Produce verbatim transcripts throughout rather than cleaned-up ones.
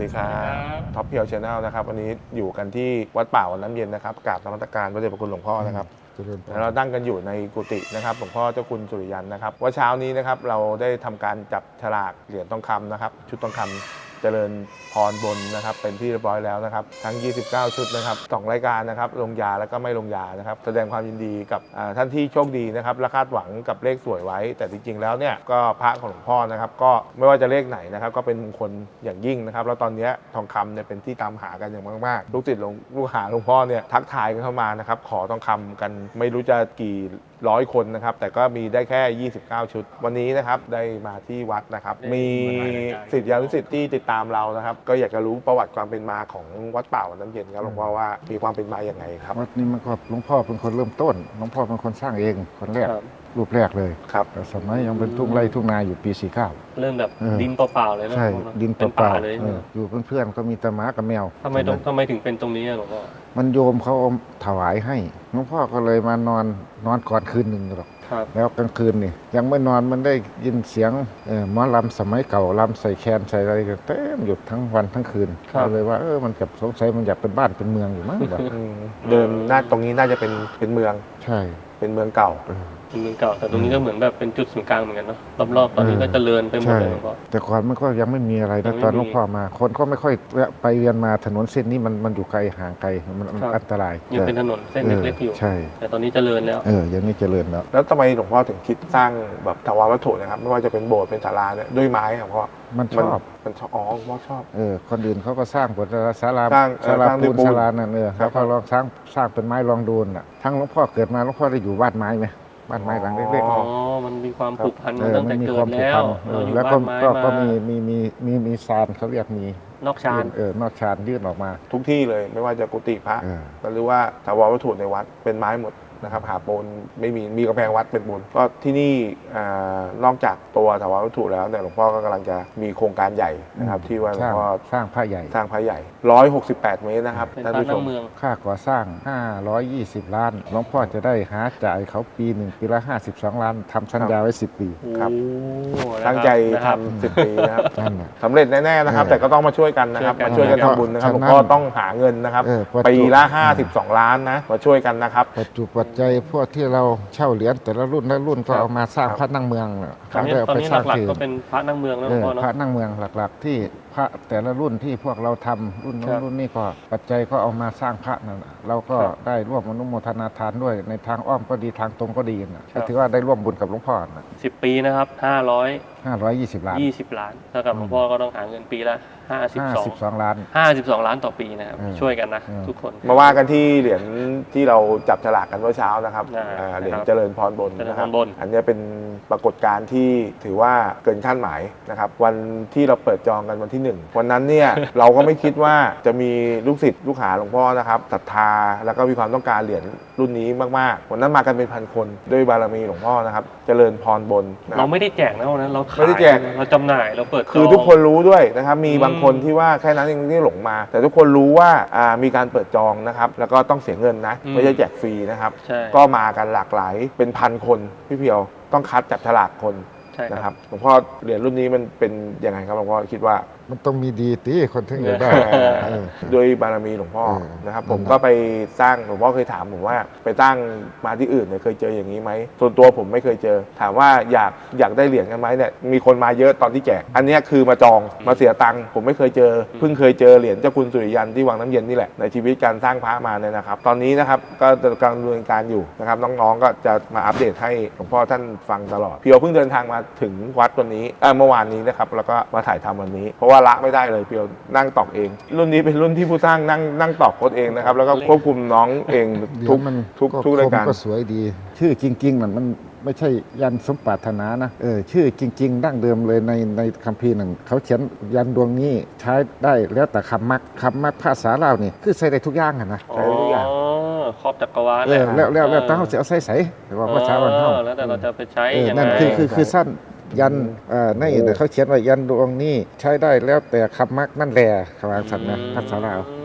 ดีครับท็อปเพียวชาแนลนะครับวันนี้อยู่กันที่วัดป่าวัดน้ำเย็นนะครับกราบนมัสการพระเดชพระคุณหลวงพ่อนะครับเราตั้งกันอยู่ในกุฏินะครับหลวงพ่อเจ้าคุณสุริยันนะครับว่าเช้านี้นะครับเราได้ทำการจับฉลากเหรียญทองคำนะครับชุดทองคำเจริญพรบนนะครับเป็นที่เรียบร้อยแล้วนะครับทั้งยี่สิบเก้าชุดนะครับสองรายการนะครับลงยาแล้วก็ไม่ลงยานะครับแสดงความยินดีกับท่านที่โชคดีนะครับและคาดหวังกับเลขสวยไว้แต่จริงๆแล้วเนี่ยก็พระของหลวงพ่อนะครับก็ไม่ว่าจะเลขไหนนะครับก็เป็นมงคลอย่างยิ่งนะครับแล้วตอนนี้ทองคำเนี่ยเป็นที่ตามหากันอย่างมากๆลูกศิษย์ลูกหาหลวงพ่อเนี่ยทักทายกันเข้ามานะครับขอทองคำกันไม่รู้จะกี่ร้อยคนนะครับแต่ก็มีได้แค่ยี่สิบเก้าชุดวันนี้นะครับได้มาที่วัดนะครับมีศิษยานุศิษย์ที่ติดตามเรานะครับก็อยากจะรู้ประวัติความเป็นมาของวัดป่าวัดน้ำเย็นครับหลวงพ่อว่ามีความเป็นมาอย่างไงครับวัดนี้มันก็หลวงพ่อเป็นคนเริ่มต้นหลวงพ่อเป็นคนสร้างเองคนแรกรูปแรกเลยครับแต่สมัยยังเป็นทุ่งไร่ทุ่งนาอยู่ปีสี่เก้าเริ่มแบบดินเปล่าๆเลยนะใช่ดินเปล่าเลยอยู่เพื่อนๆก็มีแต่หมากับแมวทำไมตรงทำไมถึงเป็นตรงนี้หลวงพ่อมันโยมเขาเอาถวายให้หลวงพ่อก็เลยมานอนนอนก่อนคืนหนึ่งหรอกแล้วกลางคืนนี่ยังไม่นอนมันได้ยินเสียงหมอลำสมัยเก่าลำใส่แคนใส่อะไรกันเต็มอยู่ทั้งวันทั้งคืนก็เลยว่าเออมันกับสงสัยมันอยากเป็นบ้านเป็นเมืองอยู่มั้งแบบเดิมหน้าตรงนี้น่าจะเป็นเป็นเมืองใช่เป็นเมืองเก่าเป็นเมืองเก่าแต่ตรงนี้ก็เหมือนแบบเป็นจุดศูนย์กลางเหมือนกันเนาะรอบๆตอนนี้ก็เจริญไปหมดเลยหลวงพ่อแต่ก่อนมันก็ยังไม่มีอะไรนะตอนหลวงพ่อมาคนก็ไม่ค่อยแวะไปเวียนมาถนนเส้นนี้มันมันอยู่ไกลห่างไกลมันอันตรายยังเป็นถนนเส้นเล็กๆอยู่ใช่แต่ตอนนี้เจริญแล้วเออยังนี้เจริญแล้วแล้วทำไมหลวงพ่อถึงคิดสร้างแบบถาวรวัตถุนะครับไม่ว่าจะเป็นโบสถ์เป็นศาลาเนี่ยด้วยไม้ครับเพราะมันชอบมันชอบอ๋อหลวงพ่อชอบเออคนอื่นเขาก็สร้างบทศาลาศาลาปูนศาลานั่นเออเขาก็ลองสร้างสร้างเป็นไม้ลองดูน่ะทั้งหลวงพ่อเกิดมาหลวงพ่อได้อยู่บ้านไม้ไหมบ้านไม้หลังเล็กๆอ๋อมันมีความผูกพันมาตั้งแต่เกิดแล้วแล้วก็ก็มีมีมีมีมีซานเขาเรียกมีนอกชานเออนอกชานยื่นออกมาทุกที่เลยไม่ว่าจะกุฏิพระหรือว่าถาวรวัตถุในวัดเป็นไม้หมดนะครับหาปูนไม่มีมีกำแพงวัดเป็นปูนก็ที่นี่นอกจากตัวถาวรวัตถุแล้วเนี่ยหลวงพ่อก็กำลังจะมีโครงการใหญ่นะครับที่ว่าหลวงพ่อสร้างพระใหญ่สร้างพระใหญ่ร้อยหกสิบแปดเมตรนะครับท่านผู้ชมค่าก่อสร้างห้าร้อยยี่สิบล้านหลวงพ่อจะได้หาจ่ายเขาปีหนึ่งปีละห้าสิบสองล้านทำสัญญาไว้สิบปีครับตั้งใจทำสิบปีนะครับสำเร็จแน่ๆนะครับแต่ก็ต้องมาช่วยกันนะครับมาช่วยกันทำบุญนะครับหลวงพ่อต้องหาเงินนะครับปีละห้าสิบสองล้านนะมาช่วยกันนะครับปัจจุปัจจัยพวกที่เราเช่าเหรียญแต่ละรุ่นละรุ่นก็เอามาสร้างพระนั่งเมืองตอนนี้ตอนนี้หลักๆก็เป็นพระนั่งเมืองแล้วพ่อเนาะพระนั่งเมืองหลักๆที่พระแต่ละรุ่นที่พวกเราทำรุ่นนู้นรุ่นนี้ก็ปัจจัยก็เอามาสร้างพระนั่นเราก็ได้ร่วมอนุโมทนาทานด้วยในทางอ้อมก็ดีทางตรงก็ดีนะก็ถือว่าได้ร่วมบุญกับหลวงพ่อนะสิบปีนะครับห้าร้อยห้าร้อยยี่สิบล้านยี่สิบล้านเท่ากับหลวงพ่อก็ต้องหาเงินปีละห้าสิบสองล้านห้าสิบสองล้านต่อปีนะครับช่วยกันนะทุกคนมาว่ากันที่เหรียญที่เราจับฉลากกันเมื่อเช้านะครับเหรียญเจริญพรบนนะครับอันนี้เป็นปรากฏการณ์ที่ถือว่าเกินคาดหมายนะครับวันที่เราเปิดจองกันวันที่หนึ่งวันนั้นเนี่ยเราก็ไม่คิดว่าจะมีลูกศิษย์ลูกหาหลวงพ่อนะครับศรัทธาแล้วก็มีความต้องการเหรียญรุ่นนี้มากๆวันนั้นมากันเป็นพันคนด้วยบารมีหลวงพ่อนะครับเจริญพรบนเราไม่ได้แจกนะวันนั้นเราไม่ได้แจกเราจำหน่ายเราเปิดคือทุกคนรู้ด้วยนะครับมีบางคนที่ว่าแค่นั้นเองที่หลงมาแต่ทุกคนรู้ว่ามีการเปิดจองนะครับแล้วก็ต้องเสียเงินนะไม่ใช่แจกฟรีนะครับก็มากันหลากหลายเป็นพันคนพี่เพียวต้องคัดจับฉลากคนนะครับหลวงพ่อเหรียญรุ่นนี้มันเป็นยังไงครับหลวงพ่อคิดว่ามันต้องมีดีตีคนถึงจะได้โดยบารมีหลวงพ่อนะครับผมก็ไปสร้างหลวงพ่อเคยถามผมว่าไปตั้งมาที่อื่นเนี่ยเคยเจออย่างนี้ไหมส่วนตัวผมไม่เคยเจอถามว่าอยากอยากได้เหรียญกันไหมเนี่ยมีคนมาเยอะตอนที่แจกอันนี้คือมาจองมาเสียตังค์ผมไม่เคยเจอเพิ่งเคยเจอเหรียญเจ้าคุณสุริยันที่วังน้ำเย็นนี่แหละในชีวิตการสร้างพระมาเนี่ยนะครับตอนนี้นะครับก็กำลังดำเนินการอยู่นะครับน้องๆก็จะมาอัปเดตให้หลวงพ่อท่านฟังตลอดเพียวเพิ่งเดินทางมาถึงวัดวันนี้เมื่อวานนี้นะครับแล้วก็มาถ่ายทำวันนี้เพราะว่าละไม่ได้เลยเพียวนั่งตอกเองรุ่นนี้เป็นรุ่นที่ผู้สร้างนั่งนั่งตอกโค้ดเองนะครับแล้วก็ควบคุมน้องเองทุกทุกทุกรายการก็สวยดีชื่อจริงๆนั่นมันไม่ใช่ยันสมปรารถนานะเออชื่อจริงๆดั้งเดิมเลยในในคัมภีร์หนึ่งเขาเขียนยันดวงนี้ใช้ได้แล้วแต่คำมักคำมักภาษาเราเนี่ยคือใส่ได้ทุกอย่างนะใส่ได้ทุกอย่างครอบจักรวาลเออแล้วแล้วแล้วต้องเอาใส่ใส่หรือว่าภาษาวันเท่าแล้วแต่เราจะไปใช้ยังไงนั่นคือคือคือสั้นยันนี่เขาเขียนว่ายันดวงนี้ใช้ได้แล้วแต่คำมักนั่นแหละคำว่าสัตว์นะภาษาเรา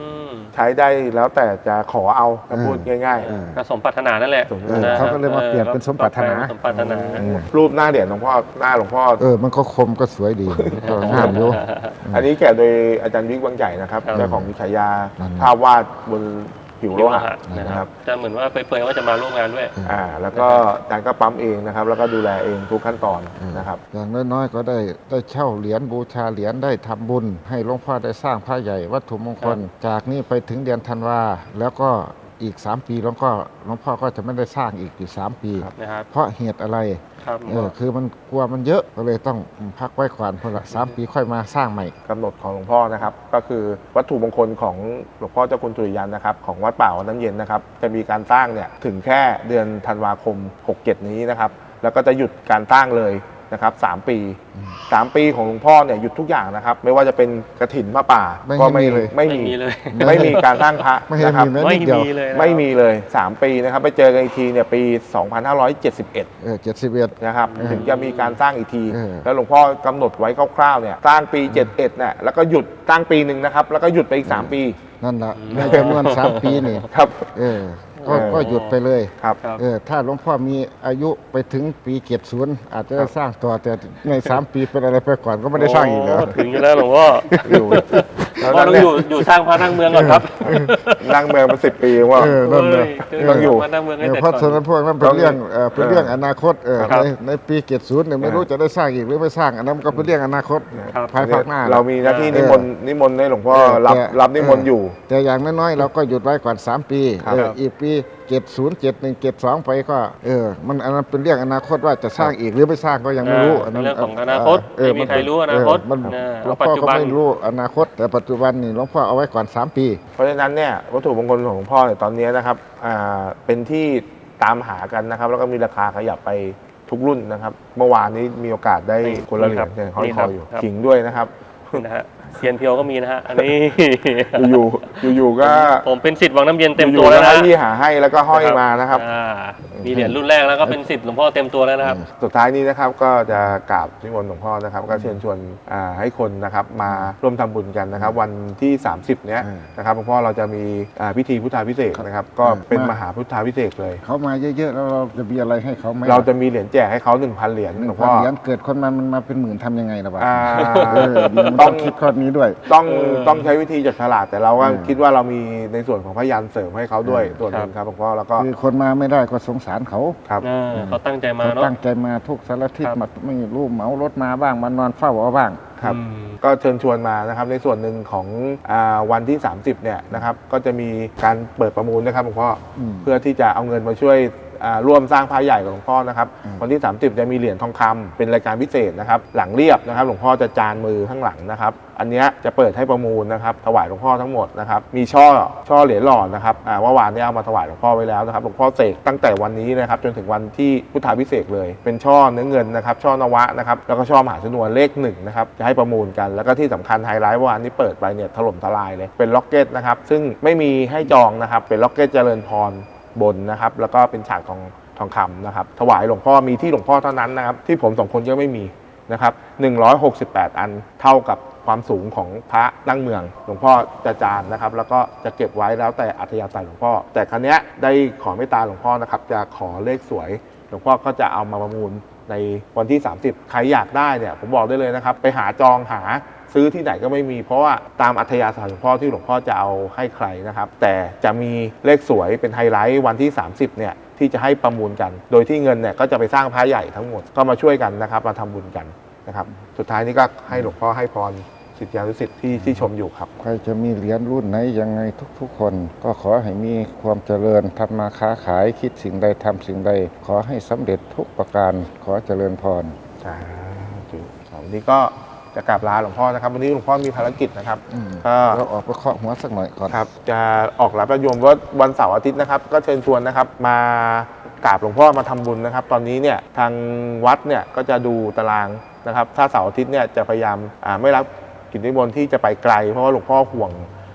ใช้ได้แล้วแต่จะขอเอาถ้าพูดง่ายเออก็สมปรารถนานั่นแหละสมเออเขาก็เลยมาเปลี่ยนเป็นสมปรารถนาสมปรารถนาๆ รูปหน้าเหรียญหลวงพ่อหน้าหลวงพ่อเออมันก็คมก็สวยดีก็งามอยู่อันนี้แกะโดยอาจารย์วิกวังใหญ่นะครับครับเจ้าของฉายานั่นภาพวาดบนผิวโลโลหะหะนะนะคครัรับบ จะเหมือนว่าเปรยๆว่าจะมาร่วมงานด้วยอ่าแล้วก็อาจารย์ก็ปั๊มเองนะครับ แล้วก็ดูแลเองทุกขั้นตอนนะครับอย่างน้อยๆก็ได้ได้เช่าเหรียญบูชาเหรียญได้ทำบุญ ให้หลวงพ่อได้สร้างพระใหญ่วัตถุมงคล จากนี้ไปถึงเดือนธันวาแล้วก็อีกสามปีหลวงพ่อหลวงพ่อก็จะไม่ได้สร้างอีกอีกสามปีนะครับเพราะเหตุอะไรครับเออคือมันกลัวมันเยอะก็เลยต้องพักไว้ก่อนเพราะละสามปีค่อยมาสร้างใหม่กำหนดของหลวงพ่อนะครับก็คือวัตถุมงคลของหลวงพ่อเจ้าคุณสุริยันนะครับของวัดป่าวัดน้ำเย็นนะครับจะมีการสร้างเนี่ยถึงแค่เดือนธันวาคมหกเจ็ดนี้นะครับแล้วก็จะหยุดการสร้างเลยนะครับสามปีสามปีของหลวงพ่อเนี่ยหยุดทุกอย่างนะครับไม่ว่าจะเป็นกฐินพระป่าไม่ก็มีเลยไม่ไม่มีมีเลยไม่มีการสร้างพระไม่ให้นะครับมีแม้ไม่นิดเดียวมีเลยนะครับไม่มีเลยสามปีนะครับไปเจอกันอีกทีเนี่ยปีสองพันห้าร้อยเจ็ดสิบเอ็ดเออเจ็ดสิบเอ็ดนะครับเออถึงจะมีการสร้างอีกทีเออแล้วหลวงพ่อกำหนดไว้คร่าวๆเนี่ยสร้างปีเจ็ดสิบเอ็ดเนี่ยแล้วก็หยุดสร้างปีหนึ่งนะครับแล้วก็หยุดไปอีกสามปีนั่นแหละในจำนวนสามปีนี่ครับเออก็เออก็หยุดไปเลยครับครับเออถ้าหลวงพ่อมีอายุไปถึงปีเกียรติศูนย์อาจจะได้สร้างต่อแต่ในสามปีเป็นอะไรไปก่อนก็ไม่ได้สร้างอีกแล้วโถึงอยู่แล้วหลวงพ่ออยู่หลวงพ่อต้องอยู่อยู่สร้างพระนั่งเมืองก่อนครับนั่งเมืองมาสิบปีว่าเออนั่นเลยต้องอยู่พระนั่งเมืองให้เออเสร็จเพราะฉะก่นั้อนนพวกนั้นเป็นเรื่องเออเป็นเรื่องอนาคตเออครัในบในปีเกียรติศูนย์เนี่ยไม่รู้จะได้สร้างอีกหรือไม่สร้างอันนั้นก็เป็นเรื่องอนาคตครับภายภาคหน้าเรามีหน้าที่นิมนต์นิมนต์ให้หลวงพ่อเออรับแต่รับนิมนต์อยู่แต่อย่างน้อยๆเราก็หยุดไว้ก่อนสามปีครับเอออีกปีเจ็ดศูนย์เจ็ดหนึ่งเจ็ดสองไปก็เออมันอันนั้นเป็นเรื่องอนาคตว่าจะสร้างอีกหรือไม่สร้างก็ยังไม่รู้เอออันนั้นเรื่องของอนาคตเออไม่มีใครรู้อนาคตเมันเออหลวงเอาปัจพ่อจุก็บันไม่รู้อนาคต แต่ปัจจุบันนี่หลวงพ่อเอาไว้ก่อนสามปีเพราะฉะนั้นเนี่ยวัตถุมงคลของหลวงพ่อเนี่ยตอนนี้นะครับอ่าเป็นที่ตามหากันนะครับ แล้วก็มีราคาขยับไปทุกรุ่นนะครับ เมื่อวานนี้มีโอกาสได้นี่คนละเหรียญนี่เนี่ยครับห้อยนี่คครัอบ อยู่ครับขิงด้วยนะครับนะฮะเซียนเพียวก็มีนะฮะอันนี้อยู่ๆอยู่ๆก็ผมเป็นสิทธิ์วังน้ำเย็นเต็มอตัยู่วๆแล้แล้ว วนะให้พี่หาให้แล้วก็ห้อยมานะครับอ่ามีเหรียญรุ่นแรกแล้วก็เป็นสิทธิ์หลวงพ่อเต็มตัวแล้วนะครับสุดท้ายนี้นะครับก็จะกราบนิมนต์หลวงพ่อนะครับ ก็เชิญชวนอ่าให้คนนะครับมาร่วมทำบุญกันนะครับ วันที่ สามสิบ เนี้ยอืมนะครับหลวงพ่อเราจะมีอ่าพิธีพุทธาพิเศษกนะครับ ก็เป็นมหาพุทธาพิเศษกเลยเขามาเยอะๆแล้วเราจะมีอะไรให้เขาไหมเราจะมีเหรียญแจกให้เขา1,000 เหรียญหนึ่หลงวงพัพ่นอเหรียญเกิดคนมามันมาเป็นหมื่นทำยังไงล่ะวะอ่าเออดีมันต้ต้ออง งคิดข้อนี้ด้วยต้องเออต้องใช้วิธีจัดฉลากแต่เราก็อืมคิดว่าเรามีในส่วนของพยานเสริมให้เขาด้วยอืมส่วนหนึ่งครับหลวงพ่อแล้วก็คือคนมาไม่ได้ก็สงสารเขาครับเออเขาตั้งใจมาเขาเนาะตั้งใจมาทุกสารทิศครับมาไม่รู้เหมารถมาบ้างมานอนเฝ้าเอาบ้างครับอืมก็เชิญชวนมานะครับในส่วนหนึ่งของอาวันที่ สามสิบ เนี่ยนะครับก็จะมีการเปิดประมูลนะครับหลวงพ่ออมเพื่อที่จะเอาเงินมาช่วยอ่าร่วมสร้างพระใหญ่กับหลวงพ่อนะครับอืมวันที่ สามสิบ จะมีเหรียญทองคำเป็นรายการพิเศษนะครับหลังเรียบนะครับหลวงพ่อจะจานมือข้างหลังนะครับอันเนี้ยจะเปิดให้ประมูลนะครับถวายหลวงพ่อทั้งหมดนะครับมีช่อช่อเหรียญหล่อนะครับอ่าเมื่อวานเนี้เอามาถวายหลวงพ่อไว้แล้วนะครับหลวงพ่อเสกตั้งแต่วันนี้นะครับจนถึงวันที่พุทธาพิเศษกเลย เป็นช่อเนื้อเงินนะครับช่อนวะนะครับแล้วก็ช่อมหาชนวนเลขหนึ่งนะครับจะให้ประมูลกันแล้วก็ที่สำคัญไฮไลท์เมื่อวานนี้เปิดไปเนี่ยถล่มทลายเลยเป็นล็อกเก็ตนะครับซึ่งไม่มีให้จองนะครับเป็นล็อกเก็ตเจริญพรบนนะครับแล้วก็เป็นฉากทองทองคำนะครับถวายหลวงพ่อมีที่หลวงพ่อเท่านั้นนะครับที่ผมสองคนก็ไม่มีนะครับหนึ่งร้อยหกสิบแปดอันเท่ากับความสูงของพระนั่งเมืองหลวงพ่อจะจานนะครับแล้วก็จะเก็บไว้แล้วแต่อัธยาศัยหลวงพ่อแต่ครั้งนี้ยได้ขอเมตตาหลวงพ่อนะครับจะขอเลขสวยหลวงพ่อก็จะเอามาประมูลในวันที่ สามสิบ ใครอยากได้เนี่ยผมบอกได้เลยนะครับไปหาจองหาซื้อที่ไหนก็ไม่มีเพราะว่าตามอัธยาศัยหลวงพ่อที่หลวงพ่อจะเอาให้ใครนะครับแต่จะมีเลขสวยเป็นไฮไลท์วันที่ สามสิบ เนี่ยที่จะให้ประมูลกัน โดยที่เงินเนี่ยก็จะไปสร้างพระใหญ่ทั้งหมดก็มาช่วยกันนะครับมาทำบุญกันนะครับสุดท้ายนี้ก็ให้หลวงพ่อให้พรศิษยานุศิษย์ที่ที่ชมอยู่ครับใครจะมีเหรียญรุ่นไหนยังไงทุกๆคน ก็ขอให้มีความเจริญทำมาค้าขายคิดสิ่งใดทำสิ่งใด ขอให้สำเร็จทุกประการขอเจริญพรสาธุวันนี้ก็จะกราบลาหลวงพ่อนะครับวันนี้หลวงพ่อมีภารกิจนะครับอืมก็เราออกไปเคาะหัวสักหน่อยก่อนครับจะออกรับประโยมว่าวันเสาร์อาทิตย์นะครับก็เชิญชวนนะครับมากราบหลวงพ่อมาทำบุญนะครับ ตอนนี้เนี่ยทางวัดเนี่ยก็จะดูตารางนะครับถ้าเสาร์อาทิตย์เนี่ยจะพยายามอ่าไม่รับกิจนิมนต์ที่จะไปไกลเพราะว่าหลวงพ่อห่วง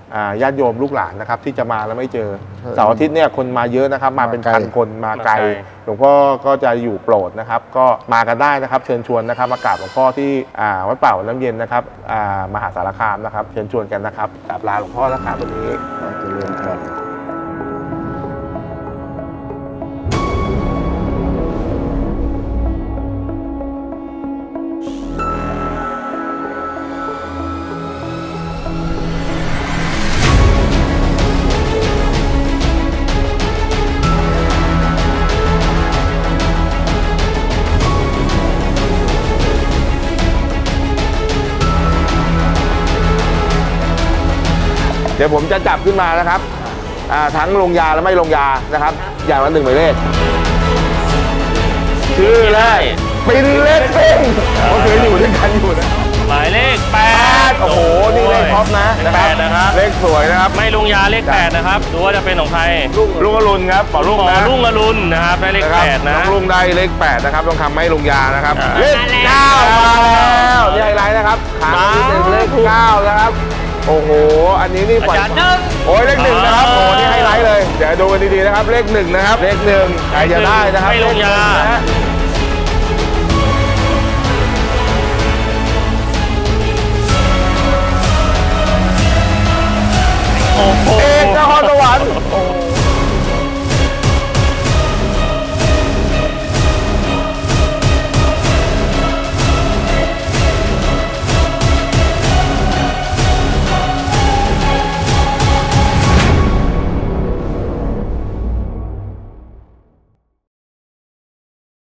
อ่าญาติโยมลูกหลานนะครับที่จะมาแล้วไม่เจอใช่เสาร์อาทิตย์เนี่ยคนมาเยอะนะครับ มาเป็นมาไกลพันคนมาไกลมาไกลหลวงพ่อก็จะอยู่โปรดนะครับ ก็มากันได้นะครับ เชิญชวนนะครับมากราบหลวงพ่อที่อ่าวัดป่าวัดน้ำเย็นนะครับอ่ามหาสารคามนะครับเชิญชวนกันนะครับกราบลาหลวงพ่อนะครับตรงนี้เจริญพรเดี๋ยวผมจะจับขึ้นมานะครับอ่าทั้งลงยาและไม่ลงยานะครับ อย่างละหนึ่งหมายเลขชื่อแรกปินเล็กซิ่งก็คืออยู่ด้วยกันอยู่นะหมายเลขแปดโอ้โหนี่เลขท็อปนะเลขนะคแปรับดนะครับเลขสวยนะครับไม่ลุงยาเลขแปดนะครับดูว่าจะเป็นของใครลุงอรุณครับป๋อลุงขอนะรุ่งอรุณนะครับได้เลขนะคแปรับดนะน้องลุงได้เลขแปดนะครับต้องคำไม่ลงยานะครับอ่าเลขเก้ามาแล้วนี่ไฮไลท์นะครับครั้งที่หนึ่งเลขเก้านะครับโอ้โหอันนี้นี่ปล่อยอาจารย์หนึ่งโอ้ยเลขหนึ่งนะครับโอ้โหนี่ไฮไลท์เลยเดี๋ยวดูกันดีๆนะครับเลขหนึ่งนะครับเลขหนึ่งใครจะได้นะครับไม่ลงยาเลขหนึ่งนะฮะ